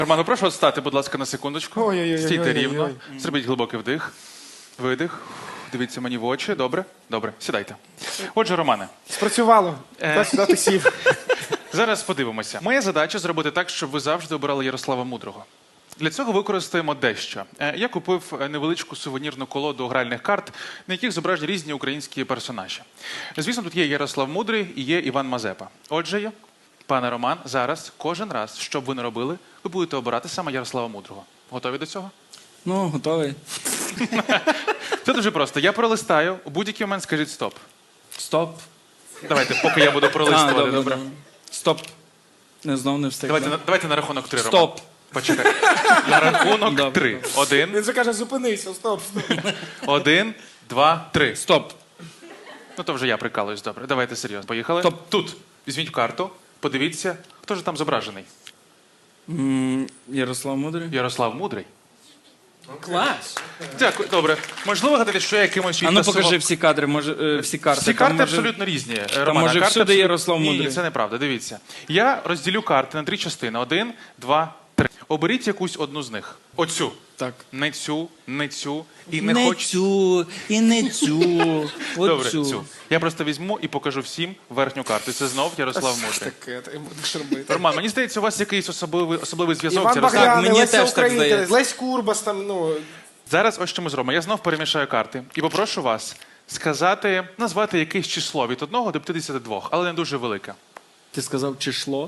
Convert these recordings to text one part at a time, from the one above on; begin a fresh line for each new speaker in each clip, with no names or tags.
Роман, прошу вас стати, будь ласка, на секундочку.
Ой-ой-ой-ой-ой-ой.
Стійте рівно. Зробіть глибокий вдих. Видих. Дивіться мені в очі. Добре? Добре. Сідайте. Отже, Романе,
Спрацювало. Сюди ти сів.
зараз подивимося. Моя задача зробити так, щоб ви завжди обирали Ярослава Мудрого. Для цього використаємо дещо. Я купив невеличку сувенірну колоду гральних карт, на яких зображені різні українські персонажі. Звісно, тут є Ярослав Мудрий і є Іван Мазепа. Отже, пане Роман, зараз, кожен раз, що б ви не робили, ви будете обирати саме Ярослава Мудрого. Готові до цього?
Ну, готовий.
Це дуже просто. Я пролистаю, у будь-який момент скажіть стоп.
Стоп.
Давайте, поки я буду пролистувати. Добре.
Стоп. Не, знов не встиг.
Давайте на рахунок 3, Роман.
Стоп.
Почекай. На рахунок
Добре.
3. 1,
Він же каже, зупинися, стоп.
1, 2, 3.
Стоп.
Ну то вже я прикалуюсь, добре. Давайте серйозно. Поїхали.
Стоп.
Тут. Візьміть карту, подивіться, хто ж там зображений.
Ярослав Мудрий.
Ярослав Мудрий.
Клас.
Дякую, добре. Можливо, гадати, що я якимось
А ну покажи всі кадри, всі карти.
Всі
Там
карти
може-
абсолютно різні. Романе,
може
карти
всюди
абсолютно-
Ярослав Мудрий?
Ні, це неправда, дивіться. Я розділю карти на 3 частини. 1, 2, 3. Оберіть якусь одну з них. Оцю.
Так.
Не цю, не цю. І не,
Не
хоч...
цю, і не цю.
Добре,
Оцю.
цю. Я просто візьму і покажу всім верхню карту. Це знов Ярослав Мудрий.
Таке, ти будеш робити.
Роман, мені здається, у вас якийсь особливий зв'язок з
Іван
Ярославом.
Багряний,
мені
Леся
теж так
Українка,
здається.
Лесь Курбас там, ну...
Зараз ось що ми зробимо. Я знов перемішаю карти і попрошу вас сказати, назвати якесь число від 1 до 52, але не дуже велике.
Ти сказав число?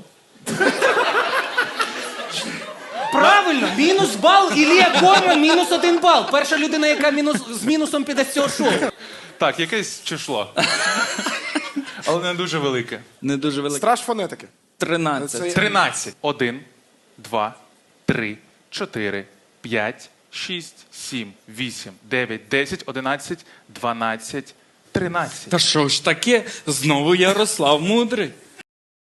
Правильно, мінус бал, Ілія Корман, мінус 1 бал. Перша людина, яка з мінусом піде з цього шоу.
Так, якесь число. Але не дуже велике.
Не дуже велике.
Страж фонетики.
13.
13. 1, 2, 3, 4, 5, 6, 7, 8, 9, 10, 11, 12, 13.
Та що ж таке? Знову Ярослав Мудрий.